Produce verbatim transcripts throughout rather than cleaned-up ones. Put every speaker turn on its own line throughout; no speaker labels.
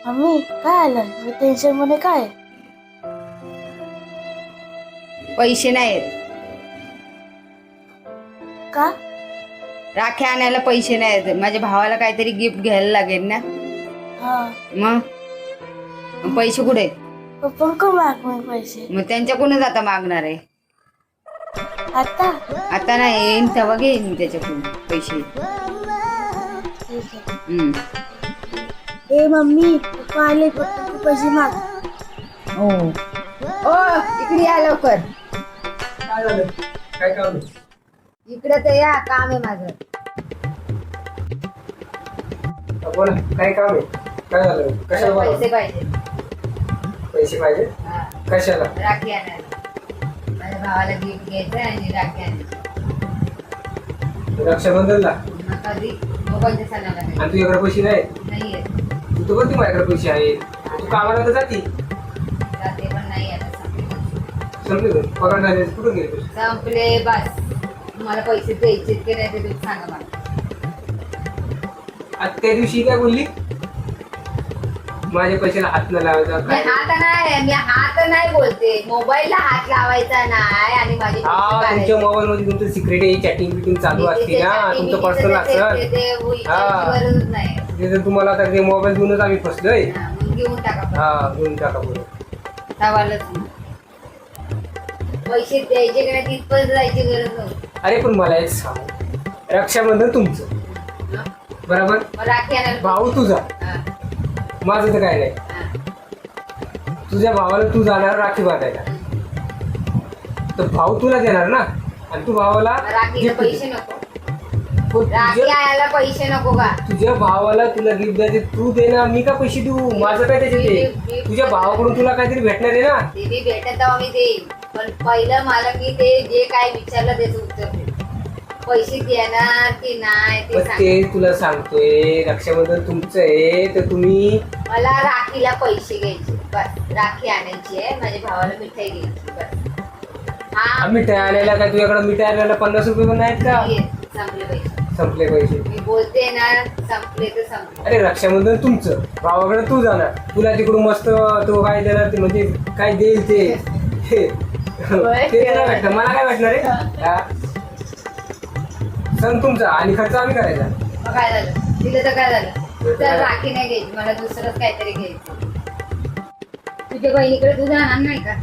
Mummy काय आलं मी tension मध्ये काय
पैसे नाहीत.
का
राख्या आणायला पैसे नाहीत. माझ्या भावाला काहीतरी गिफ्ट घ्यायला लागेल ना.
हा
मग मग पैसे कुठे आहेत?
पप्पा का माग मग पैसे
मग त्यांच्याकडूनच आता मागणार आहे.
आता
आता नाही, येईन तेव्हा घेईन मी त्याच्याकडून पैसे.
ठीक आहे.
हम्म.
ए मम्मी पप्पा आले पप्पा तू पैसे माग.
हो ओ इकडे या लवकर.
काय झालं? काय काम आहे?
इकडे तर या, काम आहे माझं.
बोला काय काम आहे? काय झालं? कशाला
मला
बोलावलं?
पैसे पाहिजे.
पैसे पाहिजे?
हा,
कशाला?
राखी आणायला. माझ्या भावाला गिफ्ट घ्यायचं आणि राखी आणायची.
रक्षाबंधनला?
मग कधी मोबाईलच्या सणाला नाही.
आणि तुझ्याकडे पैसे नाही?
नाहीये.
तू तर बोलती माझ्याकडे पैसे आहेत. तू कामाला तर जाती.
जाते पण नाही आता संपले.
संपले का? पगार झाले कुठून गेले पैसे?
संपले बस. तुम्हाला पैसे द्यायचे की नाही ते तुम्ही सांगा मला.
आज त्या दिवशी काय बोलली? माझ्या पैशाला हात न लावायचा
मी
काय?
हात नाही मी हात नाही बोलते. मोबाईलला हात लावायचा नाही आणि माझे पैसे
हा
काढायचे.
तुमच्या मोबाईल मध्ये तुमचं सिक्रेट आहे, चॅटिंग बिटिंग चालू असते ना, तुमचं पर्सनल असतं.
ते- ते- ते
हा.
गरजच नाही.
ते जर तुम्हाला आता ते मोबाईल देऊनच आम्ही फसलोय.
हा, मग घेऊन टाका पण.
हा घेऊन टाका बोल.
सवालच नाही. पैसे द्यायचे की नाही तिथपर्यंत जायची गरज नव्हती.
अरे पण मला एक सांग, रक्षाबंधन तुमचं
हा?
बरोबर,
मग राखी आणायला
भाऊ तुझा,
हा,
माझं तर काय नाही.
हा.
तुझ्या भावाला तू जाणार राखी बांधायला, तर भाऊ तुला देणार ना, आणि तू भावाला
मग राखीला
gift
पैसे
दे.
नको.
पण
राखी
तुझ्या
आणायला पैसे नको का?
तुझ्या भावाला तुला गिफ्ट द्यायचे, तू दे ना, मी का पैसे देऊ? माझं काय त्याच्यात आहे? तुझ्या भावाकडून तुला काहीतरी भेटणार आहे ना.
ते बी भेटत तेव्हा मी देईन, पण पहिलं मला मी ते जे काय विचारलं त्याचं उत्तर दे. पैसे देणार की नाही ते
मग
सांग.
ते तुला सांगतोय, रक्षाबंधन तुमचं आहे तर तुम्ही
मला राखीला पैसे घ्यायचे बस. राखी आणायची आहे, माझ्या भावाला मिठाई घ्यायची बस. हा
मिठाई आणायला काय तुझ्याकडे मिठाई आणायला पन्नास रुपये पण नाहीत का?
ये, संपले पैसे.
संपले पैसे.
मी बोलते ना, संपले तर संपले.
अरे रक्षाबंधन तुमचं, भावाकडे तू जाणार, तुला तिकडून मस्त तो काय देणार ते, म्हणजे काय देईल ते हे. ते तुला भेटणार, मला काय भेटणार आहे? हा? सण तुमचा आणि खर्च आम्ही करायचा.
मग काय झालं? दिलं तर काय झालं? तर राखी नाही घ्यायची, मला दुसरंच काहीतरी घ्यायचं. तुझ्या बहिणीकडे तू जाणार नाही का?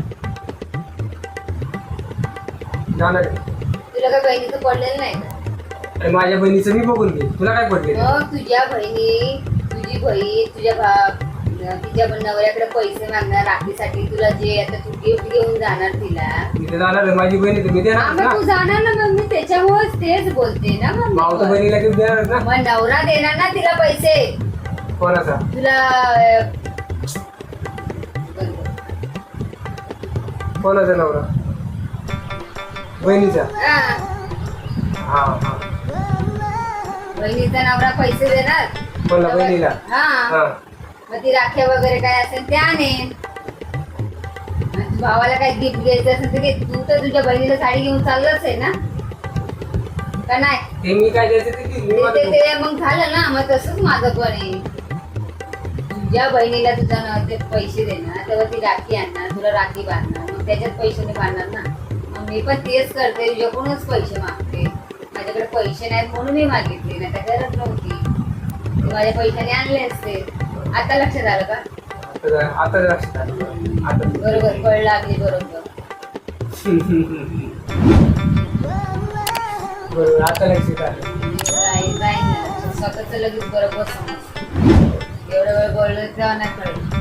जाणार आहे.
तुला काय बहिणीचं पडलेलं नाही का?
आणि माझ्या बहिणीचं मी बघून घे, तुला काय पडले?
मग तुझ्या बहिणी, तुझी बहीण तुझ्या भा तिच्या नवऱ्याकडे पैसे मागणार राखीसाठी, तुला जे आता तू गिफ्ट घेऊन जाणार तिला.
मी तर जाणार आहे, माझी बहिणी तर मी
हा,
देणार
मग
ना.
तू जाणार ना, मग मी त्याच्यामुळेच तेच बोलते ना. मग
भाऊ तर
मी
बहिणीला गिफ्ट देणार ना.
मग नवरा देणार ना तिला पैसे.
कोणाचा?
तुला अं,
कोणाचा नवरा? बहिणीचा?
हा,
हा हा.
बहिणीचा नवरा पैसे देणार.
कोणला? बहिणीला?
हा,
हा.
मग ती राख्या वगैरे काय असेल ते आणेन. आणि भावाला काय गिफ्ट घ्यायचं असेल तर घे. तू तर तुझ्या बहिणीला साडी घेऊन चाललंच आहे ना, का नाही?
ते मी काय द्यायचं ते देईन. मी
ते-
माझं
ते- ते मग झालं ना. मग तसंच माझं पण आहे. तुझ्या बहिणीला तुझा न ते पैसे देणार, तेव्हा ती राखी आणणार, तुला राखी बांधणार, मग त्याच्यात पैशाने बांधणार ना. मग मी पण तेच करते, तुझ्याकडूनच पैसे मागते. माझ्याकडे पैसे नाहीत म्हणून मी मागितले, नाही तर गरज नव्हती. तू माझ्या पैशाने आणले असते. आता लक्षात आलं का?
आता आता लक्षात आलं. आता
बरोबर, कळ लागली बरोबर.
बरोबर आता लक्षात आलं.
राहील राहील ना. स्वतःच लगेच बरोबर समज. एवढा वेळ बोललो तेव्हा नाही कळलं.